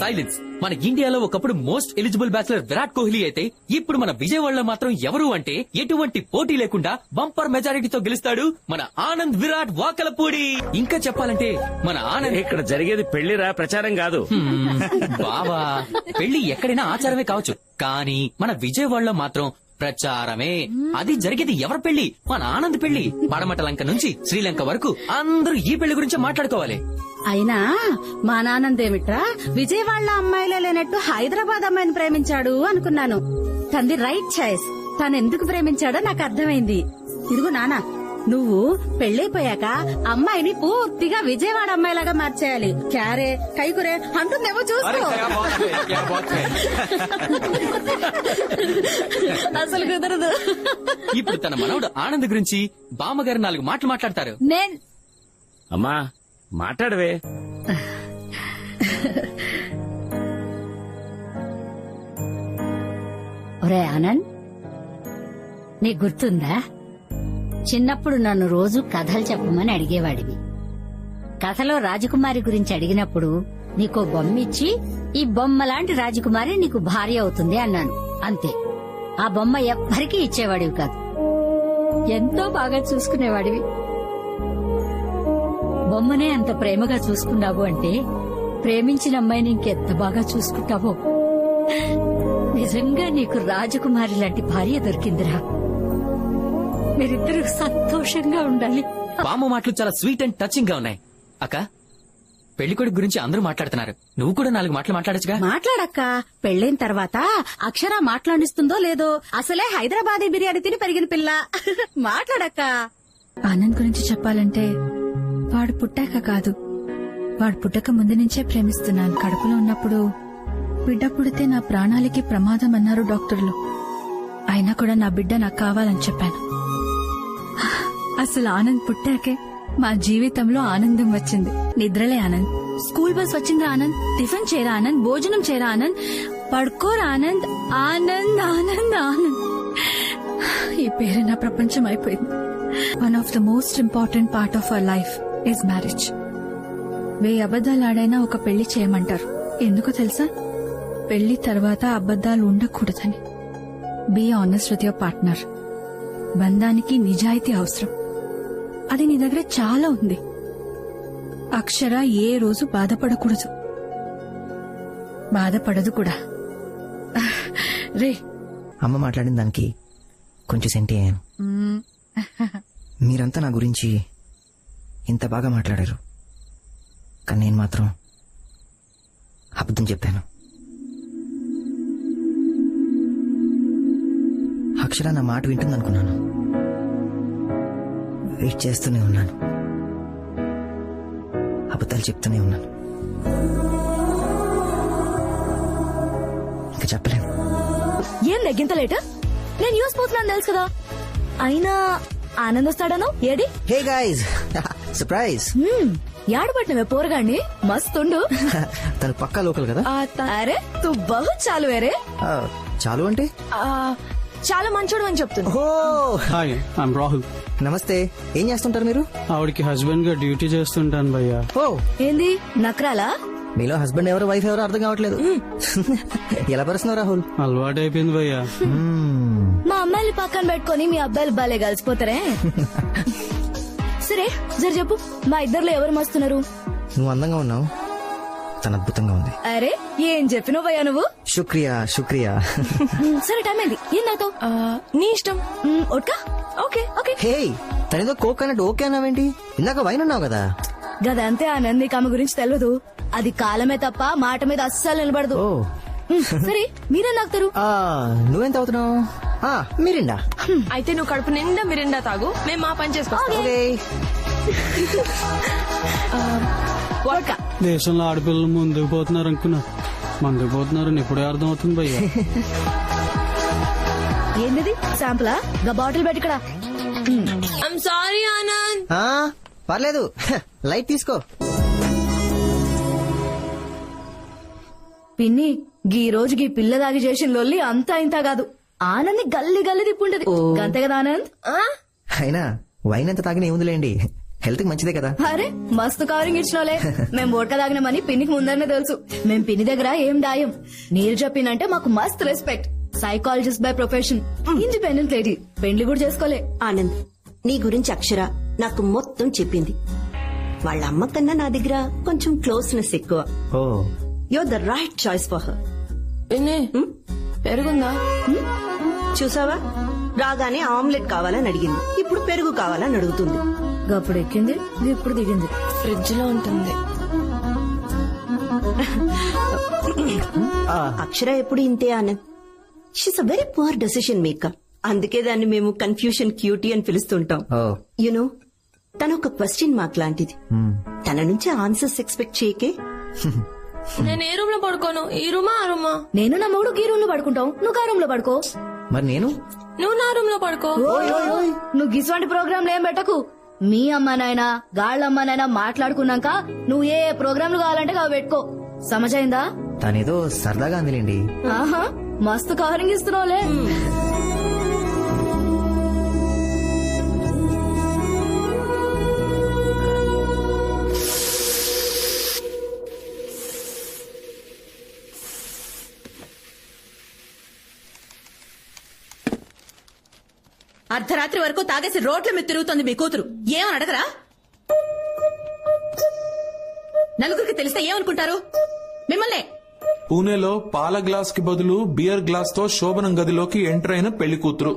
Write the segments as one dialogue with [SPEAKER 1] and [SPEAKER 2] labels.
[SPEAKER 1] Silence. మన ఇండియాలో ఒకప్పుడు most eligible bachelor Virat Kohli అయితే ఇప్పుడు మన విజయవాడలో మాత్రం ఎవరు అంటే ఎటువంటి పోటీ లేకుండా బంపర్ మెజారిటీతో గెలుస్తాడు మన ఆనంద్ విరాట్ వాకలపూడి. ఇంకా చెప్పాలంటే మన ఆనంద్
[SPEAKER 2] ఇక్కడ జరిగేది పెళ్లిరా, ప్రచారం కాదు.
[SPEAKER 1] బావా, పెళ్లి ఎక్కడైనా ఆచారమే కావచ్చు, కానీ మన విజయవాడలో మాత్రం ప్రచారమే. అది జరిగేది ఎవరి పెళ్లి? మన ఆనంద్ పెళ్లి. పడమట లంక నుంచి శ్రీలంక వరకు అందరూ ఈ పెళ్లి గురించి మాట్లాడుకోవాలి.
[SPEAKER 3] అయినా మా నానందేమిట్రా విజయవాడలో అమ్మాయిలే లేనట్టు హైదరాబాద్ అమ్మాయిని ప్రేమించాడు అనుకున్నాను. తంది రైట్ చాయిస్. తను ఎందుకు ప్రేమించాడో నాకు అర్థమైంది. ఇదిగో నానా, నువ్వు పెళ్లైపోయాక అమ్మాయిని పూర్తిగా విజయవాడ అమ్మాయిలాగా మార్చేయాలి. క్యారే కైకురే అంటుందేమో చూసుకో. అసలు కుదరదు.
[SPEAKER 1] ఇప్పుడు తన మనవడు ఆనంద్ గురించి బామ్మగారు 4 మాటలు మాట్లాడతారు.
[SPEAKER 2] అమ్మా మాట్లాడవే.
[SPEAKER 4] ఒరే ఆనంద్, నీకు గుర్తుందా చిన్నప్పుడు నన్ను రోజు కథలు చెప్పమని అడిగేవాడివి. కథలో రాజకుమారి గురించి అడిగినప్పుడు నీకో బొమ్మ ఇచ్చి ఈ బొమ్మ లాంటి రాజకుమారి నీకు భార్య అవుతుంది అన్నాను. అంతే. ఆ బొమ్మ ఎవ్వరికీ ఇచ్చేవాడివి కాదు. ఎంతో బాగా చూసుకునేవాడివి. బొమ్మనే అంత ప్రేమగా చూసుకున్నావు అంటే ప్రేమించిన అమ్మాయిని ఇంకెంత బాగా చూసుకుంటావో. నిజంగా నీకు రాజకుమారి లాంటి భార్య దొరికిందిరా. మీరిద్దరూ సంతోషంగా ఉండాలి.
[SPEAKER 1] బామ్మ మాటలు చాలా స్వీట్ అండ్ టచింగ్ గా ఉన్నాయి. అక్క, పెళ్లికొడుకు గురించి అందరూ మాట్లాడుతున్నారు, నువ్వు కూడా 4 మాటలు మాట్లాడచ్చుగా.
[SPEAKER 3] మాట్లాడక్క. పెళ్లైన తర్వాత అక్షర మాట్లాడిస్తుందో లేదో, అసలే హైదరాబాదీ బిర్యానీ తిని పెరిగిన పిల్ల. మాట్లాడక్క.
[SPEAKER 5] ఆనంద్ గురించి చెప్పాలంటే వాడు పుట్టాక కాదు, వాడు పుట్టక ముందు నుంచే ప్రేమిస్తున్నాను. కడుపులో ఉన్నప్పుడు బిడ్డ పుడితే నా ప్రాణాలకి ప్రమాదం అన్నారు డాక్టర్లు. అయినా కూడా నా బిడ్డ నాకు కావాలని చెప్పాను. అసలు ఆనంద్ పుట్టాకే మా జీవితంలో ఆనందం వచ్చింది. నిద్రలే ఆనంద్, స్కూల్ బస్ వచ్చిందా ఆనంద్, టిఫిన్ చేరా ఆనంద్, భోజనం చేరా ఆనంద్, పడుకోరా ఆనంద్, ఆనంద్ ఆనంద్ ఆనంద్. ఈ పేరు నా ప్రపంచం అయిపోయింది. One of the most important part of our life is marriage. 1000 అబద్దాలు ఆడైనా ఒక పెళ్లి చేయమంటారు. ఎందుకో తెలుసా? పెళ్లి తర్వాత అబద్దాలు ఉండకూడదని. Be honest with your partner. బంధానికి నిజాయితీ అవసరం. అది నీ దగ్గర చాలా ఉంది. అక్షర ఏ రోజు బాధపడకూడదు, బాధపడదు కూడా. రే,
[SPEAKER 6] అమ్మ మాట్లాడిన దానికి కొంచెం సెంటి అయ్యాను. మీరంతా నా గురించి ఇంత బాగా మాట్లాడారు, కానీ నేను మాత్రం అబద్ధం చెప్పాను. అక్షర నా మాట వింటుందనుకున్నాను. వెయిట్ చేస్తూనే ఉన్నాను, అబద్ధాలు చెప్తూనే ఉన్నాను. ఇంకా చెప్పలేను.
[SPEAKER 5] ఏం లెగ్గింత లేట? నేను న్యూస్ పోతున్నాను తెలుసు కదా. అయినా ఆనంద్ వస్తాడను ఏడి?
[SPEAKER 6] Hey guys, surprise.
[SPEAKER 5] యాడబట్టినవే పోరగాన్ని, మస్తుండు.
[SPEAKER 6] తను పక్కా లోకల్ కదా.
[SPEAKER 5] అరే తు బహు చాలు వేరే.
[SPEAKER 6] చాలు అంటే
[SPEAKER 5] చాలా మంచోడు అని చెప్తున్నా.
[SPEAKER 7] Hi, I'm Rahul.
[SPEAKER 6] నమస్తే. ఏం చేస్తుంటారు మీరు?
[SPEAKER 7] ఆవిడకి హస్బెండ్ గా డ్యూటీ చేస్తుంటాను భయ్యా.
[SPEAKER 6] ఓ,
[SPEAKER 5] ఏంది నక్రాలా?
[SPEAKER 6] మీలో హస్బెండ్ ఎవరు వైఫ్ ఎవరు అర్థం కావట్లేదు. ఎలా పరుస్తున్నావు రాహుల్?
[SPEAKER 7] అలవాటు అయిపోయింది భయ్యా.
[SPEAKER 5] మా అమ్మాయిని పక్కన పెట్టుకుని మీ అబ్బాయిలు బాలే కలిసిపోతారే. సరే జర చెప్పు, మా ఇద్దరులో ఎవరు మస్తున్నారు?
[SPEAKER 6] నువ్వు అందంగా ఉన్నావు, తను అద్భుతంగా ఉంది.
[SPEAKER 5] అరే ఏం చెప్పినవు భయ్యా నువ్వు?
[SPEAKER 6] శుక్రియా శుక్రియా.
[SPEAKER 5] సరే టైం అయింది, ఏం నాతో? నీ ఇష్టం. ఓట్కా? Okay okay.
[SPEAKER 6] హే, తనేదో కోక్ అన్నట్టు ఓకే అన్నావేంటి? ఇందాక వైన్ అన్నావు కదా.
[SPEAKER 5] గదంతే ఆనంద్, నీకు ఆమె గురించి తెలియదు. అది కాలమే తప్ప మాట మీద అస్సలు నిలబడదు.
[SPEAKER 6] ఓ
[SPEAKER 5] సరే మీరేం తాగుతారు?
[SPEAKER 6] నువ్వెంత అవుతున్నావు? మిరిండా.
[SPEAKER 8] అయితే నువ్వు కడుపు నిండా మిరిండా తాగు, మేము మా పని చేసుకోవాలి.
[SPEAKER 7] దేశంలో ఆడపిల్లలు ముందుకు పోతున్నారు అనుకున్నా, ముందుకు పోతున్నారని ఇప్పుడే అర్థం అవుతుంది భయ్యా.
[SPEAKER 5] ఏంది శాంపులా? గా బాటిల్ పెట్టి ఇక్కడ.
[SPEAKER 8] I'm sorry Anand.
[SPEAKER 6] పర్లేదు, లైట్ తీసుకో.
[SPEAKER 5] పిన్ని గీ రోజు గీ పిల్ల దాగి చేసిన లొల్లి అంతా ఇంత కాదు. ఆనంద్ గల్లి గల్లి తిప్పుంటది. అంతే కదా ఆనంద్?
[SPEAKER 6] అయినా వైన్ ఎంత తాగినా ఏముందిలేండి, హెల్త్ కి మంచిదే కదా.
[SPEAKER 5] అరే మస్తు కవరింగ్ ఇచ్చినోలే. మేం ఓట్క తాగినామని పిన్నికి ముందరనే తెలుసు. మేం పిన్ని దగ్గర ఏం దాయం. నీరు చెప్పిందంటే మాకు మస్త్ respect. Psychologist by profession, independent lady, పెండ్లి కూడా చేసుకోలే.
[SPEAKER 9] ఆనంద్, నీ గురించి అక్షర నాకు మొత్తం చెప్పింది. వాళ్ళ అమ్మ కన్నా నా దగ్గర కొంచెం క్లోజ్నెస్ ఎక్కువ.
[SPEAKER 6] Oh
[SPEAKER 9] you're the right choice for her.
[SPEAKER 8] పిన్ని పెరుగుందా?
[SPEAKER 9] చూసావా, రాగానే ఆమ్లెట్ కావాలని అడిగింది, ఇప్పుడు పెరుగు కావాలని అడుగుతుంది.
[SPEAKER 5] గప్పుడు ఎక్కింది, ఇప్పుడు దిగింది.
[SPEAKER 8] ఫ్రిడ్జ్ లో ఉంటుంది.
[SPEAKER 9] అక్షర ఎప్పుడు ఇంతే Anand. She's a very poor decision maker. అందుకే దాన్ని మేము కన్ఫ్యూషన్ క్యూటీ అని పిలుస్తుంటాం.
[SPEAKER 6] ఓ
[SPEAKER 9] యునో, తన ఒక క్వశ్చన్ మార్క్ లాంటిది. తన నుంచి ఆన్సర్స్ ఎక్స్పెక్ట్ చేయకే.
[SPEAKER 8] నేను ఏ రూమ్ లో పడుకోను, ఈ రూమా ఆ రూమా?
[SPEAKER 5] నేను నా మూడు గీ రూమ్ లో పడుకుంటాం, నువ్వు ఆ రూమ్ లో పడుకో.
[SPEAKER 6] మరి నేను
[SPEAKER 8] నువ్వు నా రూమ్ లో పడుకో.
[SPEAKER 5] నువ్వు గిసువంటి ప్రోగ్రాంలు ఏం పెట్టకు. మీ అమ్మానైనా గాళ్ళమ్మనైనా మాట్లాడుకున్నాక నువ్వు ఏ ప్రోగ్రాంలు కావాలంటే అవి పెట్టుకో. సమజైందా?
[SPEAKER 6] తనేదో సరదాగా అందిలేండి.
[SPEAKER 5] ఆహా, మస్తు కవరింగ్ ఇస్తున్నావులే.
[SPEAKER 3] అర్ధరాత్రి వరకు తాగేసి రోడ్ల మీద తిరుగుతోంది మీ కూతురు. ఏమని అడగరా? నలుగురికి తెలిస్తే ఏమనుకుంటారు మిమ్మల్ని?
[SPEAKER 10] పూణేలో పాల గ్లాస్ కి బదులు బియర్ గ్లాస్ తో శోభనం గదిలోకి ఎంటర్ అయిన పెళ్లి కూతురు.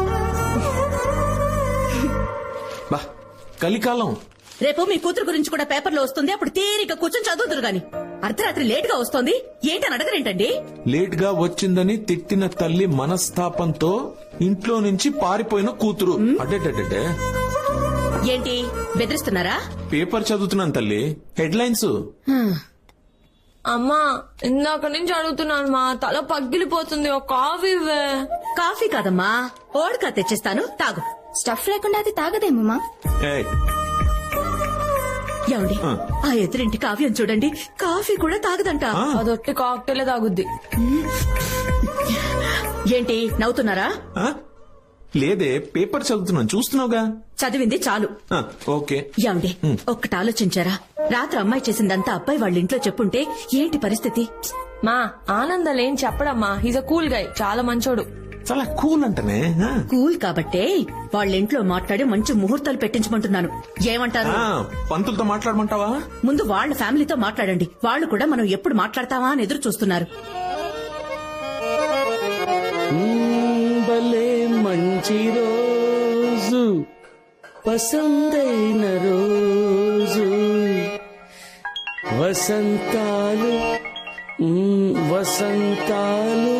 [SPEAKER 10] బా, కలికాలం.
[SPEAKER 3] రేపు మీ కూతురు గురించి కూడా పేపర్లో వస్తుంది. అప్పుడు తీరిక కూర్చొని చదువుతురు గాని అర్ధరాత్రి లేట్ గా వస్తోంది ఏంటని అడగరేంటండి?
[SPEAKER 10] లేట్ గా వచ్చిందని తిట్టిన తల్లి మనస్తాపంతో ఇంట్లో నుంచి పారిపోయిన కూతురు. అడ్డే
[SPEAKER 3] ఏంటి బెదిరిస్తున్నారా?
[SPEAKER 10] పేపర్ చదువుతున్నాను తల్లి, హెడ్లైన్స్.
[SPEAKER 8] అమ్మా, ఇందాక నుంచి అడుగుతున్నాను మా తల పగిలిపోతుంది. ఒక కాఫీ ఇవ్వే.
[SPEAKER 3] కాఫీ కాదమ్మా, ఓడకా తెచ్చిస్తాను, తాగు.
[SPEAKER 5] స్టఫ్ లేకుండా అది తాగదేమమ్మా.
[SPEAKER 10] ఏయ్,
[SPEAKER 3] ఏమండి, ఆ ఎదురింటి కావ్యం చూడండి, కాఫీ కూడా తాగదంట.
[SPEAKER 8] అదొట్టి కాక్టైలే తాగుద్ది.
[SPEAKER 3] ఏంటి నవ్వుతున్నారా?
[SPEAKER 10] ఆ? లేదే, పేపర్ చదువుతున్నాను, చూస్తున్నావుగా.
[SPEAKER 3] చదివింది చాలు.
[SPEAKER 10] ఓకే.
[SPEAKER 3] ఏమండి, ఒక్కటి ఆలోచించారా? రాత్రి అమ్మాయి చేసిందంతా అబ్బాయి వాళ్ళ ఇంట్లో చెప్పుంటే ఏంటి పరిస్థితి?
[SPEAKER 8] మా ఆనందాలు ఏం చెప్పడమ్మా. హీజ్ అ కూల్ గై, చాలా మంచోడు.
[SPEAKER 10] చాలా కూల్ అంటనే.
[SPEAKER 3] కూల్ కాబట్టే వాళ్ళ ఇంట్లో మాట్లాడి మంచి ముహూర్తాలు పెట్టించమంటున్నాను. ఏమంటారు?
[SPEAKER 10] పంతులతో మాట్లాడమంటావా?
[SPEAKER 3] ముందు వాళ్ళ ఫ్యామిలీతో మాట్లాడండి. వాళ్ళు కూడా మనం ఎప్పుడు మాట్లాడతావా అని ఎదురు చూస్తున్నారు.
[SPEAKER 2] భలే మంచి రోజు, పసందైన రోజు, వసంతాలు వసంతాలు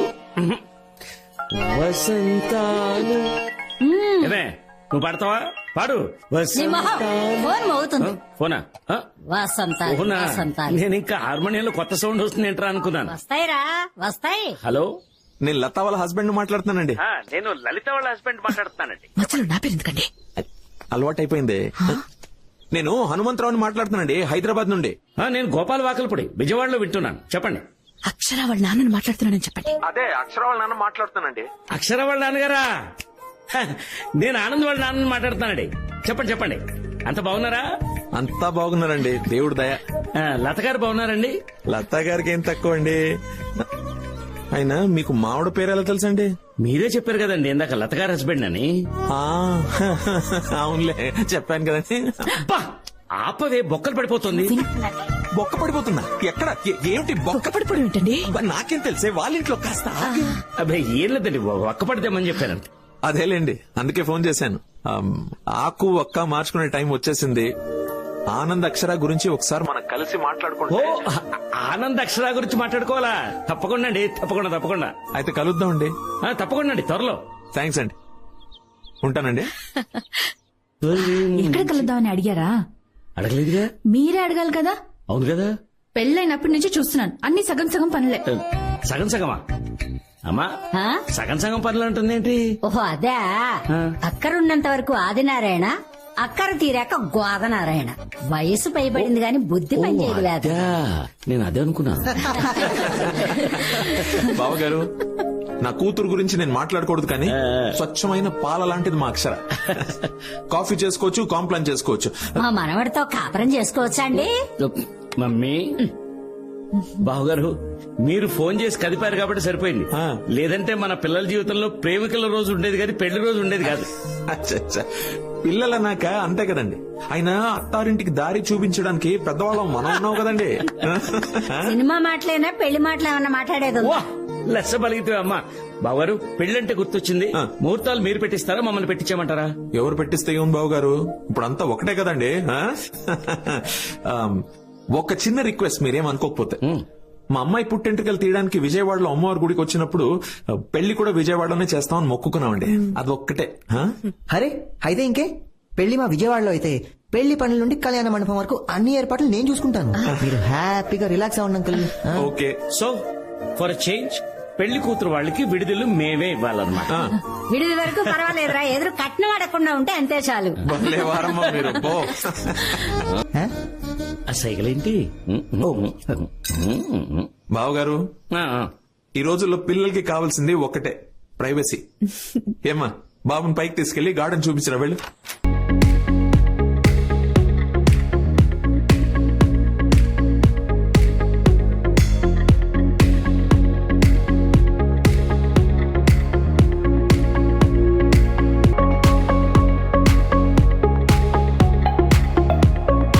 [SPEAKER 2] వసంతాలు. ఏమే, నువ్వు పాడతావా? పాడు.
[SPEAKER 4] ఫోన్ మోగుతుంది.
[SPEAKER 2] ఫోనా?
[SPEAKER 4] వసంతాలు
[SPEAKER 2] ఫోనా?
[SPEAKER 4] వసంతాలు
[SPEAKER 2] నేను ఇంకా హార్మోనియంలో కొత్త సౌండ్ వస్తుంది ఏంట్రా అనుకున్నాను.
[SPEAKER 4] వస్తాయిరా, వస్తాయి.
[SPEAKER 2] హలో,
[SPEAKER 10] నేను లతా వాళ్ళ హస్బెండ్ మాట్లాడుతున్నానండి.
[SPEAKER 2] నేను లలిత వాళ్ళ హస్బెండ్ మాట్లాడుతున్నానండి.
[SPEAKER 3] మధ్యలో నా పేరు ఎందుకండి?
[SPEAKER 10] అలవాటైపోయింది. నేను హనుమంతరావుని మాట్లాడుతున్నానండి, హైదరాబాద్ నుండి.
[SPEAKER 2] నేను గోపాల్ వాకల్పూడి, విజయవాడలో వింటున్నాను. చెప్పండి.
[SPEAKER 3] అక్షర వాళ్ళ నాన్నని మాట్లాడుతున్నానని చెప్పండి.
[SPEAKER 10] అదే అక్షర వాళ్ళ నాన్న మాట్లాడుతున్నానండి.
[SPEAKER 2] అక్షర వాళ్ళ నాన్నగారా? నేను ఆనంద్ వాళ్ళ నాన్నని మాట్లాడుతున్నానండి. చెప్పండి చెప్పండి. అంత బాగున్నారా?
[SPEAKER 10] అంతా బాగున్నారండి, దేవుడు దయ.
[SPEAKER 2] లత గారు బాగున్నారండి?
[SPEAKER 10] లతా గారికి ఏం తక్కువ అండి. అయినా మీకు మావిడ పేరు ఎలా తెలుసండి?
[SPEAKER 2] మీరే చెప్పారు కదండి ఇందాక లత గారు హస్బెండ్ అని.
[SPEAKER 10] అవునులే, చెప్పాను కదండి.
[SPEAKER 2] ఆపవే, బొక్కలు పడిపోతుంది.
[SPEAKER 10] బొక్క పడిపోతున్నా? ఎక్కడ? ఏమిటి బొక్క
[SPEAKER 3] పడిపోవడం ఏంటండి?
[SPEAKER 10] నాకేం తెలిసే, వాళ్ళ ఇంట్లో కాస్త
[SPEAKER 2] అబ్బాయి ఏం లేదండి, ఒక్క పడితేమని చెప్పానంట.
[SPEAKER 10] అదేలేండి, అందుకే ఫోన్ చేశాను. ఆకు ఒక్క మార్చుకునే టైం వచ్చేసింది. ఆనంద్ అక్షర గురించి ఒకసారి మనం కలిసి మాట్లాడుకుంటే.
[SPEAKER 2] ఆనంద్ అక్షర గురించి మాట్లాడుకోవాలా? తప్పకుండా అండి, తప్పకుండా తప్పకుండా.
[SPEAKER 10] అయితే కలుద్దామండి.
[SPEAKER 2] తప్పకుండా అండి, త్వరలో.
[SPEAKER 10] థ్యాంక్స్ అండి, ఉంటానండి.
[SPEAKER 5] ఎక్కడ కలుద్దామని అడిగారా?
[SPEAKER 2] అడగలేదుగా.
[SPEAKER 5] మీరే అడగాలి కదా.
[SPEAKER 2] అవును కదా.
[SPEAKER 5] పెళ్ళైనప్పటి నుంచి చూస్తున్నాను, అన్ని సగం సగం పనులే.
[SPEAKER 2] సగం సగమా? అమ్మా, సగం సగం పనులు అంటుంది ఏంటి?
[SPEAKER 4] ఓహో అదే. అక్కరున్నంత వరకు ఆదినారాయణ, అక్కర తీరాక గోదనారాయణ. వయసు పైబడింది గాని బుద్ధి పనిచేయలేదు.
[SPEAKER 2] నేను అదే అనుకున్నా.
[SPEAKER 10] బావగారు, నా కూతురు గురించి నేను మాట్లాడకూడదు కానీ స్వచ్ఛమైన పాల లాంటిది మా అక్షర. కాఫీ చేసుకోవచ్చు, కాంప్లైన్ చేసుకోవచ్చు.
[SPEAKER 4] మా మనవడితో కాపురం చేసుకోవచ్చా అండి?
[SPEAKER 2] మమ్మీ బావగారు మీరు ఫోన్ చేసి కదిపారు కాబట్టి సరిపోయింది. లేదంటే మన పిల్లల జీవితంలో ప్రేమికుల రోజు ఉండేది కానీ పెళ్లి రోజు ఉండేది కాదు.
[SPEAKER 10] అచ్చచ్చా. పిల్లలన్నాక అంతే కదండి. అయినా అత్తారింటికి దారి చూపించడానికి పెద్దవాళ్ళం మనం ఉన్నావు కదండి.
[SPEAKER 4] సినిమా మాటలేనా పెళ్లి మాటలు ఏమన్నా మాట్లాడేది ఉందా?
[SPEAKER 2] వా, లెస్స బలిగితే అమ్మా. బావగారు పెళ్ళంటే గుర్తొచ్చింది. ముహూర్తాలు మీరు పెట్టిస్తారా మమ్మల్ని పెట్టించామంటారా?
[SPEAKER 10] ఎవరు పెట్టిస్తే ఏం బాబు గారు, ఇప్పుడు అంతా ఒకటే కదండి. ఒక చిన్న రిక్వెస్ట్, మీరేం అనుకోకపోతే. మా అమ్మాయి పుట్టెంట్రుకలు తీయడానికి విజయవాడలో అమ్మవారి గుడికి వచ్చినప్పుడు పెళ్లి కూడా విజయవాడలోనే చేస్తామని మొక్కుకున్నామండి. అది ఒక్కటే.
[SPEAKER 6] అరే అయితే ఇంకే, పెళ్లి మా విజయవాడలో అయితే పెళ్లి పనుల నుండి కళ్యాణ మండపం వరకు అన్ని ఏర్పాట్లు నేను చూసుకుంటాను. మీరు హ్యాపీగా రిలాక్స్ అవ్వండి uncle.
[SPEAKER 10] Okay.
[SPEAKER 2] So for change పెళ్లి కూతురు వాళ్ళకి విడుదల మేమే ఇవ్వాలన్నమాట.
[SPEAKER 4] విడిది వరకు పర్వాలేదురా, ఎదురు కట్నం అడగకుండా ఉంటే అంతే చాలు.
[SPEAKER 10] భలే వారమ్మా మీరు. పో.
[SPEAKER 2] ఆ సైకిలేంటి?
[SPEAKER 10] బావగారు, ఈ రోజుల్లో పిల్లలకి కావాల్సింది ఒక్కటే, ప్రైవసీ. ఏమ్మా, బాబుని పైకి తీసుకెళ్లి గార్డెన్ చూపించరా వెళ్ళు.